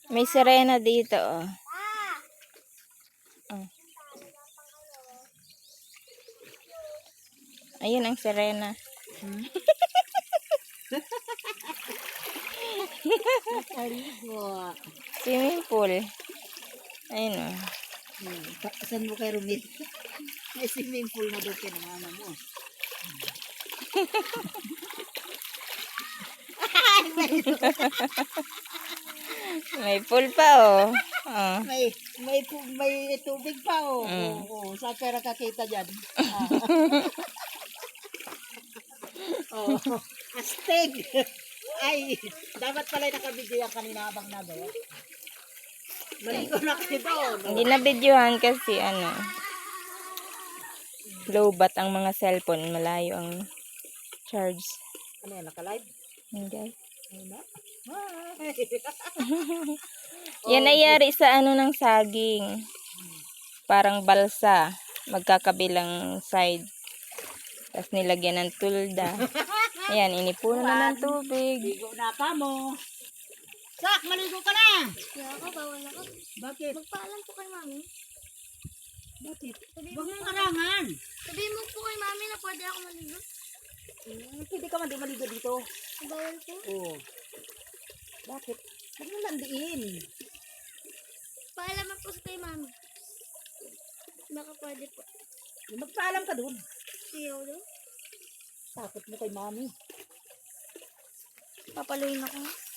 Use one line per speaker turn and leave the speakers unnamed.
May sirena dito, oh. Oh. Ayun ang sirena. Swimming pool. Ayun, oh.
Saan mo kayo rumit? May swimming pool na doon kinamana mo.
May pool pa, oh. Oh.
May tubig pa, oh. Oo, saan pera kakita dyan? Oh, astig. Ay, dapat pala nakabidyo yan kanina habang nagawa. Maligo na kayo doon.
Hindi na videohan kasi ano, low bat ang mga cellphone, malayo ang charge.
Ano yan, naka-live?
Hindi.
Ano na?
Yan ay yari sa ano ng saging. Parang balsa, magkakabilang side. Tapos nilagyan ng tulda. Ayan, inipuno na ng tubig.
Ligo na pa mo. Sak, maligo ka na.
Kaya ako, bawal ako.
Bakit?
Magpaalam po kay mami.
Bakit? Huwag mong karangan.
Sabihin mo po kay mami na pwede ako maligo.
Pwede ka man di maligo dito.
Bawal po.
Oo. Bakit? Huwag mo landiin.
Paalam po sa kay mami. Baka pwede po.
Magpaalam ka doon.
Ayaw daw.
Takot mo kay mami.
Papaluin ako.